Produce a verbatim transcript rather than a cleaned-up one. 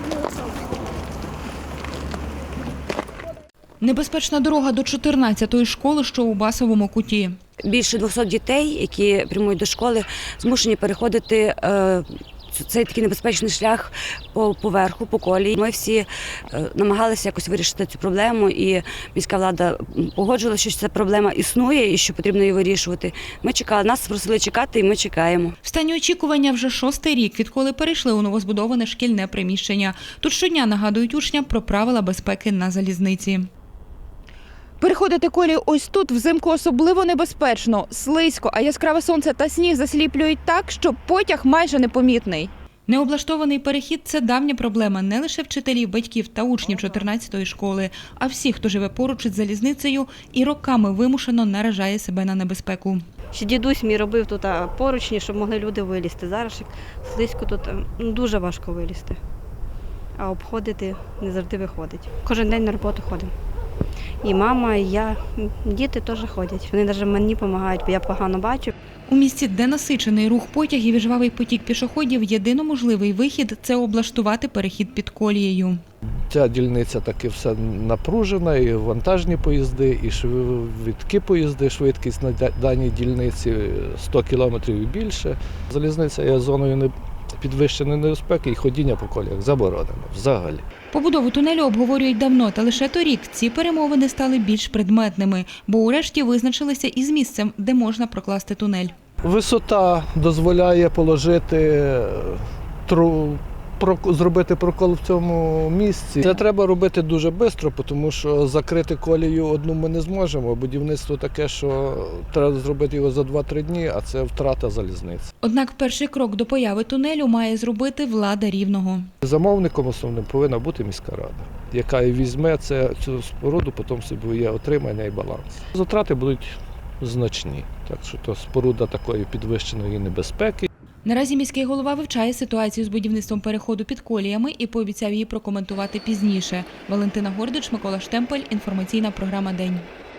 Небезпечна дорога до чотирнадцятої школи, що у Басовому куті. Більше двохсот дітей, які прямують до школи, змушені переходити е, цей такий небезпечний шлях по поверху, по колії. Ми всі е, намагалися якось вирішити цю проблему, і міська влада погоджувала, що ця проблема існує і що потрібно її вирішувати. Ми чекали, нас просили чекати, і ми чекаємо. В стані очікування вже шостий рік, відколи перейшли у новозбудоване шкільне приміщення. Тут щодня нагадують учням про правила безпеки на залізниці. Переходити колію ось тут взимку особливо небезпечно, слизько, а яскраве сонце та сніг засліплюють так, що потяг майже непомітний. Необлаштований перехід – це давня проблема не лише вчителів, батьків та учнів чотирнадцятої школи, а всіх, хто живе поруч із залізницею і роками вимушено наражає себе на небезпеку. Ще дідусь мій робив тут поручні, щоб могли люди вилізти. Зараз слизько тут ну, дуже важко вилізти, а обходити не завжди виходить. Кожен день на роботу ходимо. І мама, і я, діти теж ходять. Вони навіть мені допомагають, бо я погано бачу. У місті, де насичений рух потягів і жвавий потік пішоходів, єдино можливий вихід – це облаштувати перехід під колією. Ця дільниця таки все напружена, і вантажні поїзди, і швидкі поїзди, швидкість на даній дільниці сто кілометрів і більше. Залізниця є зоною підвищеної небезпеки і ходіння по коліях заборонено взагалі. Побудову тунелю обговорюють давно, та лише торік ці перемовини стали більш предметними, бо урешті визначилися із місцем, де можна прокласти тунель. Висота дозволяє положити, тру, про, зробити прокол в цьому місці. Це треба робити дуже швидко, тому що закрити колію одну ми не зможемо. Будівництво таке, що треба зробити його за два-три дні, а це втрата залізниці. Однак перший крок до появи тунелю має зробити влада Рівного. Замовником основним повинна бути міська рада, яка і візьме це, цю споруду, потім собі є отримання і баланс. Затрати будуть значні, так що то споруда такої підвищеної небезпеки. Наразі міський голова вивчає ситуацію з будівництвом переходу під коліями і пообіцяв її прокоментувати пізніше. Валентина Гордич, Микола Штемпель, інформаційна програма «День».